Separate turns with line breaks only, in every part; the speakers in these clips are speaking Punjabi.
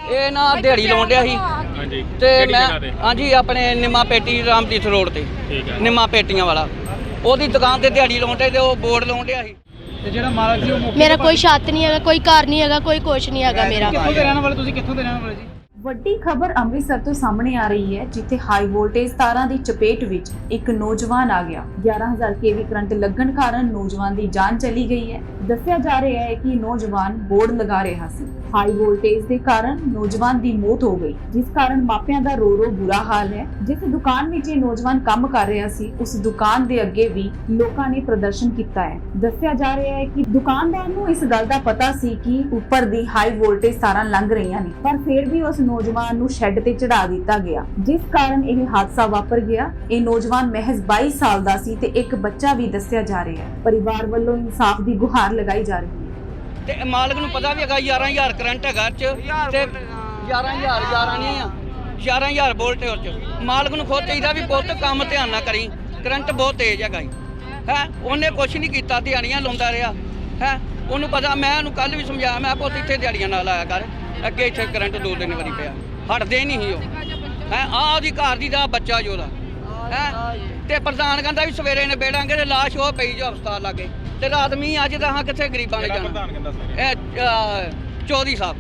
ਇਹ ਨਾ ਦਿਹਾੜੀ ਲਾਉਣ ਡਿਆ ਸੀ
ਹਾਂਜੀ
ਤੇ
ਕਿਹੜੀ
ਮੈਂ
ਜਗ੍ਹਾ ਤੇ?
ਹਾਂਜੀ ਆਪਣੇ ਨਿੰਮਾ ਪੇਟੀ ਰਾਮਦੀਤ ਰੋਡ ਤੇ
ਠੀਕ ਹੈ।
ਨਿੰਮਾ ਪੇਟੀਆਂ ਵਾਲਾ ਉਹਦੀ ਦੁਕਾਨ ਤੇ ਦਿਹਾੜੀ ਲਾਉਣ ਡਿਆ ਤੇ ਉਹ ਬੋਰਡ ਲਾਉਣ ਡਿਆ ਸੀ।
ਤੇ ਜਿਹੜਾ ਮਾਲਕ ਸੀ ਉਹ ਮੌਕੇ
ਮੇਰਾ
ਤੇ
ਕੋਈ ਛੱਤ ਨਹੀਂ ਹੈਗਾ, ਕੋਈ ਘਰ ਨਹੀਂ ਹੈਗਾ, ਕੋਈ ਕੁਛ ਨਹੀਂ ਹੈਗਾ ਮੇਰਾ।
ਕਿੱਥੋਂ ਦੇ ਰਹਿਣ ਵਾਲੇ ਤੁਸੀਂ? ਕਿੱਥੋਂ ਦੇ ਰਹਿਣ ਵਾਲੇ ਜੀ?
ਵੱਡੀ ਖਬਰ ਅੰਮ੍ਰਿਤਸਰ ਤੋਂ ਸਾਹਮਣੇ ਆ ਰਹੀ ਹੈ, ਜਿੱਥੇ ਹਾਈ ਵੋਲਟੇਜ ਤਾਰਾਂ ਦੀ ਚਪੇਟ ਵਿੱਚ ਇੱਕ ਨੌਜਵਾਨ ਆ ਗਿਆ। 11000 ਕੇਵੀ ਕਰੰਟ ਲੱਗਣ ਕਾਰਨ ਨੌਜਵਾਨ ਦੀ ਜਾਨ ਚਲੀ ਗਈ ਹੈ। ਦੱਸਿਆ ਜਾ ਰਿਹਾ ਹੈ ਕਿ ਨੌਜਵਾਨ ਬੋਰਡ ਲਗਾ ਰਿਹਾ ਸੀ। ਹਾਈ ਵੋਲਟੇਜ ਦੇ ਕਾਰਨ ਨੌਜਵਾਨ ਦੀ ਮੌਤ ਹੋ ਗਈ, ਜਿਸ ਕਾਰਨ ਮਾਪਿਆਂ ਦਾ ਰੋ ਰੋ ਬੁਰਾ ਹਾਲ ਹੈ। ਜਿਸ ਦੁਕਾਨ ਵਿੱਚ ਇਹ ਨੌਜਵਾਨ ਕੰਮ ਕਰ ਰਿਹਾ ਸੀ, ਉਸ ਦੁਕਾਨ ਦੇ ਅੱਗੇ ਵੀ ਲੋਕਾਂ ਨੇ ਪ੍ਰਦਰਸ਼ਨ ਕੀਤਾ ਹੈ। ਦੱਸਿਆ ਜਾ ਰਿਹਾ ਹੈ ਕਿ ਦੁਕਾਨਦਾਰ ਨੂੰ ਇਸ ਗੱਲ ਦਾ ਪਤਾ ਸੀ ਕਿ ਉੱਪਰ ਦੀ ਹਾਈ ਵੋਲਟੇਜ ਤਾਰਾਂ ਲੰਘ ਰਹੀਆਂ ਨੇ, ਪਰ ਫਿਰ ਵੀ ਉਸ ਨੌਜਵਾਨ ਨੂੰ ਸ਼ੈੱਡ ਤੇ ਚੜਾ ਦਿੱਤਾ ਗਿਆ, ਜਿਸ ਕਾਰਨ ਇਹ ਹਾਦਸਾ ਵਾਪਰ ਗਿਆ। ਇਹ ਨੌਜਵਾਨ ਮਹਿਜ਼ 22 ਸਾਲ ਦਾ ਸੀ ਤੇ ਇੱਕ ਬੱਚਾ ਵੀ ਦੱਸਿਆ ਜਾ ਰਿਹਾ ਹੈ। ਪਰਿਵਾਰ ਵੱਲੋਂ ਇਨਸਾਫ ਦੀ ਗੁਹਾਰ ਲਗਾਈ ਜਾ ਰਹੀ ਹੈ।
ਤੇ ਮਾਲਕ ਨੂੰ ਪਤਾ ਵੀ ਹੈਗਾ 11000 ਕਰੰਟ ਹੈਗਾ ਚ ਤੇ 11000 ਨਹੀਂ ਆ 11000 ਵੋਲਟ ਉਹ ਚ। ਮਾਲਕ ਨੂੰ ਖੁਦ ਚਾਹੀਦਾ ਵੀ ਪੁੱਤ ਕੰਮ ਧਿਆਨ ਨਾਲ ਕਰੀ, ਕਰੰਟ ਬਹੁਤ ਤੇਜ਼ ਹੈਗਾ ਜੀ ਹੈ। ਉਹਨੇ ਕੁਛ ਨਹੀਂ ਕੀਤਾ, ਦਿਹਾੜੀਆਂ ਲਾਉਂਦਾ ਰਿਹਾ ਹੈ। ਉਹਨੂੰ ਪਤਾ, ਮੈਂ ਉਹਨੂੰ ਕੱਲ ਵੀ ਸਮਝਾਇਆ, ਮੈਂ ਪੁੱਤ ਇੱਥੇ ਦਿਹਾੜੀਆਂ ਨਾ ਲਾਇਆ ਕਰ, ਅੱਗੇ ਇੱਥੇ ਕਰੰਟ 2-3 ਵਾਰੀ ਪਿਆ, ਹਟਦੇ ਨਹੀਂ ਸੀ ਉਹ ਹੈ। ਉਹਦੀ ਘਰ ਦੀ ਦਾ ਬੱਚਾ ਜੋ ਉਹਦਾ ਹੈ। ਤੇ ਪ੍ਰਧਾਨ ਕਹਿੰਦਾ ਵੀ ਸਵੇਰੇ ਨੇ ਬੇੜਾਂਗੇ ਤੇ ਲਾਸ਼ ਉਹ ਪਈ ਜੋ ਹਸਪਤਾਲ ਲਾਗੇ, ਤੇ ਰਾਤ ਮੀਂਹ ਅੱਜ ਤਾਂ ਕਿੱਥੇ ਗਰੀਬਾਂ ਨੇ ਜਾਣਾ। ਇਹ ਚੌਧਰੀ ਸਾਹਿਬ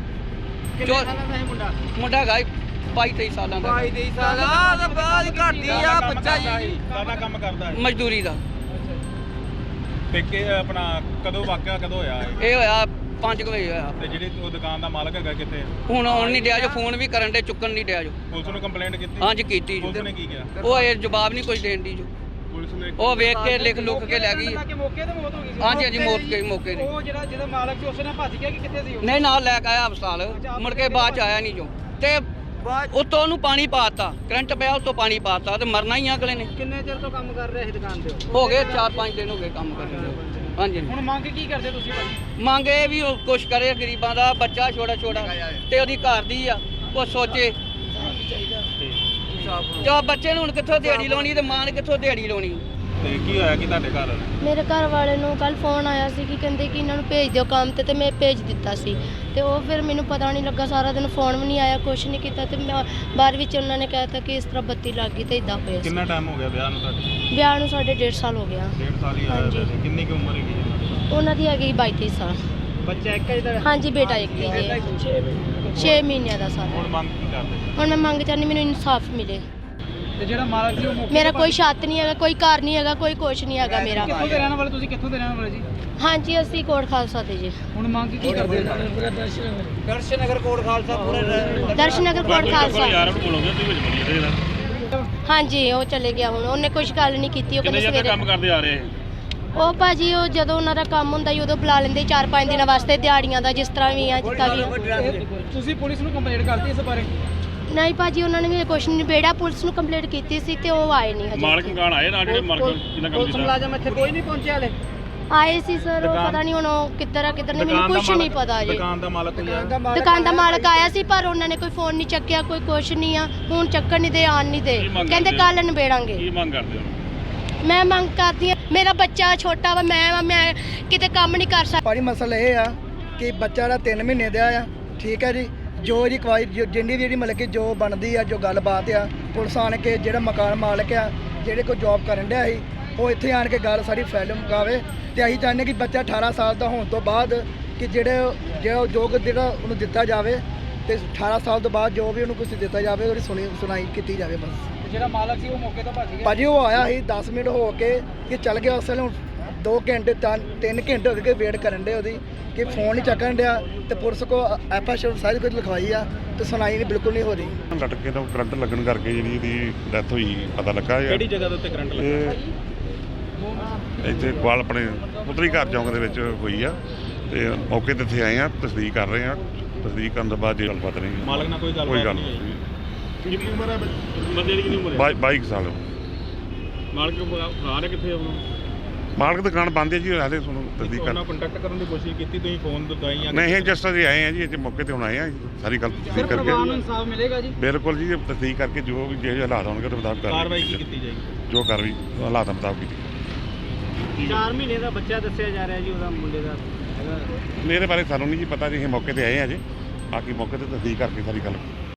ਮੁੰਡਾ ਹੈਗਾ 22-23 ਸਾਲਾਂ ਦਾ।
22 ਸਾਲਾਂ ਦਾ ਬਾਅਦ ਘਟਦੀ ਆ ਬੱਚਾ ਜੀ।
ਕਾਹਦਾ ਕੰਮ ਕਰਦਾ ਹੈ?
ਮਜ਼ਦੂਰੀ ਦਾ।
ਤੇ ਕਿ ਆਪਣਾ ਕਦੋਂ ਵਾਕਿਆ ਕਦੋਂ ਹੋਇਆ ਇਹ?
ਇਹ ਹੋਇਆ 5 ਵਜੇ ਹੋਇਆ।
ਤੇ ਜਿਹੜੀ ਉਹ ਦੁਕਾਨ ਦਾ ਮਾਲਕ ਹੈਗਾ ਕਿੱਥੇ?
ਹੁਣ ਆਉਣ ਨਹੀਂ ਡਿਆ ਜੋ, ਫੋਨ ਵੀ ਕਰਨ ਦੇ, ਚੁੱਕਣ ਨਹੀਂ ਡਿਆ ਜੋ।
ਪੁਲਿਸ ਨੂੰ ਕੰਪਲੇਂਟ ਕੀਤੀ?
ਹਾਂਜੀ ਕੀਤੀ ਜੋ।
ਪੁਲਿਸ ਨੇ ਕੀ ਕਿਹਾ?
ਉਹ ਇਹ ਜਵਾਬ ਨਹੀਂ ਕੁਝ ਦੇਣ ਦੀ ਜੋ।
ਪੁਲਿਸ ਨੇ
ਉਹ ਵੇਖ ਕੇ ਲਿਖ ਲੁੱਕ ਕੇ ਲੈ ਗਈ।
ਕਿ ਮੌਕੇ ਤੇ ਮੌਤ ਹੋ ਗਈ ਸੀ?
ਹਾਂਜੀ ਹਾਂਜੀ ਮੌਕੇ ਤੇ।
ਉਹ ਜਿਹਦਾ ਮਾਲਕ ਸੀ ਉਸਨੇ ਭੱਜ ਗਿਆ ਕਿ ਕਿੱਥੇ ਸੀ ਉਹ?
ਨਹੀਂ ਨਾਲ ਲੈ ਕੇ ਆਇਆ ਹਸਪਤਾਲ, ਮੁੜ ਕੇ ਬਾਅਦ ਚ ਆਇਆ ਨਹੀਂ ਜੋ। ਤੇ ਉੱਤੋਂ ਉਹਨੂੰ ਪਾਣੀ ਪਾਤਾ, ਕਰੰਟ ਪਿਆ ਉੱਤੋਂ ਪਾਣੀ ਪਾਤਾ, ਤੇ ਮਰਨਾ ਹੀ ਆ ਅਗਲੇ ਨੇ।
ਕਿੰਨੇ ਚਿਰ ਤੋਂ ਕੰਮ ਕਰ ਰਿਹਾ ਸੀ ਦੁਕਾਨ ਤੇ?
ਹੋ ਗਏ 4-5 ਦਿਨ ਹੋ ਗਏ ਕੰਮ ਕਰਦੇ ਨੂੰ। ਹਾਂਜੀ
ਹੁਣ ਮੰਗ ਕੀ ਕਰਦੇ ਤੁਸੀਂ ਭਾਜੀ?
ਮੰਗ ਇਹ ਵੀ ਉਹ ਕੁਛ ਕਰੇ, ਗਰੀਬਾਂ ਦਾ ਬੱਚਾ ਛੋਟਾ ਤੇ ਉਹਦੀ ਘਰ ਦੀ ਆ, ਉਹ ਸੋਚੇ। ਜੋ ਬੱਚੇ ਨੂੰ ਹੁਣ ਕਿੱਥੋਂ ਦਿਹਾੜੀ ਲਾਉਣੀ ਤੇ ਮਾਂ ਨੇ ਕਿੱਥੋਂ ਦਿਹਾੜੀ ਲਾਉਣੀ।
ਤੇ ਕੀ ਹੋਇਆ ਕਿ ਤੁਹਾਡੇ ਘਰ?
ਮੇਰੇ ਘਰ ਵਾਲੇ ਨੂੰ ਕੱਲ ਫੋਨ ਆਇਆ ਸੀ ਕਿ ਕਹਿੰਦੇ ਕਿ ਇਹਨਾਂ ਨੂੰ ਭੇਜ ਦਿਓ ਕੰਮ ਤੇ ਮੈਂ ਭੇਜ ਦਿੱਤਾ ਸੀ। ਤੇ ਉਹ ਫਿਰ ਮੈਨੂੰ ਪਤਾ ਨਹੀਂ ਲੱਗਾ, ਸਾਰਾ ਦਿਨ ਫੋਨ ਵੀ ਨਹੀਂ ਆਇਆ, ਕੁਛ ਨਹੀਂ ਕੀਤਾ। ਤੇ ਮੈਂ ਬਾਅਦ ਵਿੱਚ ਉਹਨਾਂ ਨੇ ਕਹਿਤਾ ਕਿ ਇਸ ਤਰ੍ਹਾਂ ਬੱਤੀ ਲੱਗ ਗਈ ਤੇ ਇਦਾਂ ਹੋਇਆ ਸੀ।
ਕਿੰਨਾ ਟਾਈਮ ਹੋ ਗਿਆ ਵਿਆਹ ਨੂੰ ਤੁਹਾਡੇ?
ਵਿਆਹ ਨੂੰ ਸਾਡੇ 1.5 ਸਾਲ ਹੋ ਗਿਆ।
1.5 ਸਾਲ ਹੀ ਆਇਆ ਵੈਸੇ। ਕਿੰਨੀ ਕੁ ਉਮਰ ਹੈਗੀ ਇਹਨਾਂ ਦੀ?
ਉਹਨਾਂ ਦੀ ਹੈਗੀ 22-23 ਸਾਲ।
ਬੱਚਾ ਇੱਕ ਜਿਹਦਾ?
ਹਾਂਜੀ ਬੇਟਾ ਇੱਕ ਹੀ ਜੇ 6 ਮਹੀਨਿਆਂ ਦਾ ਸਾਰਾ।
ਹੁਣ ਮੰਗ ਕੀ ਕਰਦੇ?
ਹੁਣ ਮੈਂ ਮੰਗ ਚਾਹੁੰਦੀ ਮੈਨੂੰ ਇਨਸਾਫ ਮਿਲੇ।
ਤੇ ਜਿਹੜਾ ਮਾਲਕ ਸੀ ਉਹ ਮੌਕੇ
ਮੇਰਾ ਕੋਈ ਛੱਤ ਨਹੀਂ ਹੈਗਾ, ਕੋਈ ਘਰ ਨਹੀਂ ਹੈਗਾ, ਕੋਈ ਕੁਛ ਨਹੀਂ ਹੈਗਾ ਮੇਰਾ।
ਕਿੱਥੋਂ ਦੇ ਰਹਿਣ ਵਾਲੇ ਤੁਸੀਂ? ਕਿੱਥੋਂ ਦੇ ਰਹਿਣ ਵਾਲੇ ਜੀ?
ਹਾਂਜੀ ਅਸੀਂ ਕੋਟ ਖਾਲਸਾ ਤੇ ਜੀ।
ਹੁਣ ਮੰਗ ਕੀ ਕਰਦੇ?
ਦਰਸ਼ਨਗਰ ਕੋਟ ਖਾਲਸਾ ਪੂਰੇ
ਦਰਸ਼ਨਗਰ ਕੋਟ ਖਾਲਸਾ।
ਯਾਰ ਨੂੰ ਬੋਲੋਗੇ ਤੁਸੀਂ ਵਿੱਚ ਬੋਲੀਏ ਇਹਦਾ।
ਹਾਂਜੀ ਉਹ ਚਲੇ ਗਿਆ ਹੁਣ, ਉਹਨੇ ਕੁਛ ਗੱਲ ਨਹੀਂ ਕੀਤੀ। ਉਹ ਕਹਿੰਦੇ ਸਵੇਰੇ
ਕੰਮ ਕਰਦੇ ਆ ਰਹੇ?
ਉਹ ਭਾਜੀ ਉਹ ਜਦੋਂ ਉਹਨਾਂ ਦਾ ਕੰਮ ਹੁੰਦਾ ਸੀ ਉਦੋਂ ਬੁਲਾ ਲੈਂਦੇ 4-5 ਦਿਨਾਂ ਵਾਸਤੇ ਦਿਹਾੜੀਆਂ ਦਾ, ਜਿਸ ਤਰ੍ਹਾਂ ਵੀ ਆ ਜਿੱਦਾਂ ਵੀ ਆ।
ਤੁਸੀਂ ਪੁਲਿਸ ਨੂੰ ਕੰਪਲੇਂਟ ਕਰਤੀ ਇਸ ਬਾਰੇ?
ਨਹੀਂ ਭਾਜੀ ਉਹਨਾਂ ਨੇ ਵੀ ਕੁਛ ਨਹੀਂ ਨਿਬੇੜਿਆ। ਪੁਲਿਸ ਨੂੰ ਕੰਪਲੇਂਟ ਕੀਤੀ ਸੀ ਤੇ ਉਹ ਆਏ ਨਹੀਂ ਹਜੇ।
ਮਾਲਕ ਮਕਾਨ ਆਏ ਨਾਲ ਜਿਹੜੇ ਮਾਲਕ ਜਿੰਨਾ ਕੰਮ
ਪੁਲਿਸ
ਕੀਤਾ?
ਮੁਲਾਜ਼ਮ ਇੱਥੇ ਕੋਈ ਨਹੀਂ ਪਹੁੰਚਿਆ ਹਲੇ?
ਆਏ ਸੀ ਸਰ, ਉਹ ਪਤਾ ਨਹੀਂ ਹੁਣ ਉਹ ਕਿੱਧਰ ਆ ਕਿੱਧਰ ਨਹੀਂ, ਮੈਨੂੰ ਕੁਛ ਨਹੀਂ ਪਤਾ ਜੀ।
ਦੁਕਾਨ ਦਾ ਮਾਲਕ ਕੋਈ ਆਇਆ?
ਦੁਕਾਨ ਦਾ ਮਾਲਕ ਆਇਆ ਸੀ ਪਰ ਉਹਨਾਂ ਨੇ ਕੋਈ ਫੋਨ ਨਹੀਂ ਚੱਕਿਆ, ਕੋਈ ਕੁਛ ਨਹੀਂ ਆ। ਹੁਣ ਚੱਕਣ ਨਹੀਂ ਦੇ, ਆਣ ਨਹੀਂ ਦੇ, ਕਹਿੰਦੇ ਕੱਲ ਨਿਬੇੜਾਂਗੇ।
ਕੀ ਮੰਗ ਕਰਦੇ ਹੋ?
ਮੈਂ ਮੰਗ ਕਰਦੀ ਹਾਂ, ਮੇਰਾ ਬੱਚਾ ਛੋਟਾ ਵਾ, ਮੈਂ ਕਿਤੇ ਕੰਮ ਨਹੀਂ ਕਰ ਸਕਦੀ।
ਭਾਜੀ ਮਸਲਾ ਇਹ ਆ ਕਿ ਬੱਚਾ ਦਾ 3 ਮਹੀਨੇ ਦਾ ਆ, ਠੀਕ ਹੈ ਜੀ। ਜੋ ਇਹਦੀ ਕਵਾਈ ਜਿੰਨੀ ਵੀ ਜਿਹੜੀ ਮਤਲਬ ਕਿ ਜੋ ਬਣਦੀ ਆ, ਜੋ ਗੱਲਬਾਤ ਆ, ਪੁਲਿਸ ਆਣ ਕੇ ਜਿਹੜਾ ਮਕਾਨ ਮਾਲਕ ਆ, ਜਿਹੜੇ ਕੋਈ ਜੌਬ ਕਰਨ ਡਿਆ ਸੀ, ਉਹ ਇੱਥੇ ਆਣ ਕੇ ਗੱਲ ਸਾਰੀ ਫੈਲ ਮੁਕਾਵੇ। ਤੇ ਅਸੀਂ ਚਾਹੁੰਦੇ ਕਿ ਬੱਚਾ 18 ਸਾਲ ਦਾ ਹੋਣ ਤੋਂ ਬਾਅਦ ਕਿ ਜਿਹੜਾ ਉਹਨੂੰ ਦਿੱਤਾ ਜਾਵੇ, ਤੇ 18 ਸਾਲ ਤੋਂ ਬਾਅਦ ਜੋ ਵੀ ਉਹਨੂੰ ਕੁਝ ਦਿੱਤਾ ਜਾਵੇ ਉਹਦੀ ਸੁਣਾਈ ਕੀਤੀ ਜਾਵੇ ਬਸ।
ਜਿਹੜਾ ਮਾਲਕ ਸੀ ਉਹ ਮੌਕੇ ਤੋਂ ਭੱਜ ਗਿਆ?
ਭਾਜੀ ਉਹ ਆਇਆ ਸੀ 10 ਮਿੰਟ ਹੋ ਕੇ ਕਿ ਚੱਲ ਗਿਆ। ਉਸ ਵੇਲੇ 2 ਘੰਟੇ 3 ਘੰਟੇ ਹੋ ਗਏ ਵੇਟ ਕਰਨ ਦੇ ਉਹਦੀ, ਕਿ ਫੋਨ ਨਹੀਂ ਚੱਕਣ ਡਿਆ। ਤੇ ਪੁਲਿਸ ਕੋ ਐਫਆਈਆਰ ਸਾਰੀ ਕੁਝ ਲਿਖਵਾਈ ਆ ਤੇ ਸੁਣਾਈ ਨਹੀਂ, ਬਿਲਕੁਲ ਨਹੀਂ ਹੋ ਰਹੀ।
ਲਟਕੇ ਤੋਂ ਕਰੰਟ ਲੱਗਣ ਕਰਕੇ ਜਿਹੜੀ ਇਹਦੀ ਡੈਥ ਹੋਈ ਪਤਾ ਲੱਗਾ।
ਕਿਹੜੀ ਜਗ੍ਹਾ ਦੇ ਉੱਤੇ ਕਰੰਟ ਲੱਗਾ?
ਇੱਥੇ ਕੋਲ ਆਪਣੇ ਪੁੱਤਰੀ ਘਰ ਚੌਂਕ ਦੇ ਵਿੱਚ ਹੋਈ ਆ। ਤੇ ਮੌਕੇ ਤੇ ਇੱਥੇ ਆਏ ਆ, ਤਸਦੀਕ ਕਰ ਰਹੇ ਆ। ਤਸਦੀਕ ਕਰਨ ਤੋਂ ਬਾਅਦ ਜੇ ਗੱਲਬਾਤ ਨਹੀਂ,
ਮਾਲਕ ਨਾਲ ਕੋਈ ਗੱਲ
ਨਹੀਂ।
ਕਿੰਨੀ ਉਮਰ ਹੈ ਬੰਦੇ ਦੀ? ਕਿੰਨੀ ਉਮਰ ਹੈ?
22 ਸਾਲ।
ਮਾਲਕ ਆ ਰਿਹਾ ਕਿੱਥੇ?
ਮਾਲਕ ਦੁਕਾਨ ਬੰਦ ਹੈ ਜੀ, ਹਾਲੇ ਤੁਹਾਨੂੰ ਤਸਦੀਕ ਕਰ।
ਉਹਨਾਂ ਕੰਟੈਕਟ ਕਰਨ ਦੀ ਕੋਸ਼ਿਸ਼ ਕੀਤੀ ਤੁਸੀਂ? ਫੋਨ ਦਵਾਈ ਜਾਂ
ਨਹੀਂ, ਇਹ ਜਸਟ ਅਸੀਂ ਆਏ ਆ ਜੀ, ਇੱਥੇ ਮੌਕੇ ਤੇ ਹੁਣ ਆਏ ਆ, ਸਾਰੀ ਗੱਲ ਤਸਦੀਕ
ਪਰਿਵਾਰ ਨੂੰ
ਕਰਕੇ।
ਇਨਸਾਫ ਮਿਲੇਗਾ ਜੀ?
ਬਿਲਕੁਲ ਜੀ, ਤਸਦੀਕ ਕਰਕੇ ਜੋ ਵੀ ਜਿਹੇ ਹਾਲਾਤ ਹੋਣਗੇ ਉਹਦੇ ਮੁਤਾਬਕ
ਕਾਰਵਾਈ ਕੀ ਕੀਤੀ ਜਾਏਗੀ?
ਜੋ ਕਾਰਵਾਈ ਹਾਲਾਤਾਂ ਮੁਤਾਬਕ ਕੀਤੀ।
4 ਮਹੀਨੇ ਦਾ ਬੱਚਾ ਦੱਸਿਆ ਜਾ ਰਿਹਾ ਜੀ ਉਹਦਾ, ਮੁੰਡੇ ਦਾ ਹੈਗਾ।
ਮੇਰੇ ਬਾਰੇ ਸਾਨੂੰ ਨਹੀਂ ਜੀ ਪਤਾ ਜੀ, ਅਸੀਂ ਮੌਕੇ ਤੇ ਆਏ ਆ ਜੀ। ਬਾਕੀ ਮੌਕੇ ਤੇ ਤਸਦੀਕ ਕਰਕੇ ਸਾਰੀ ਗੱਲ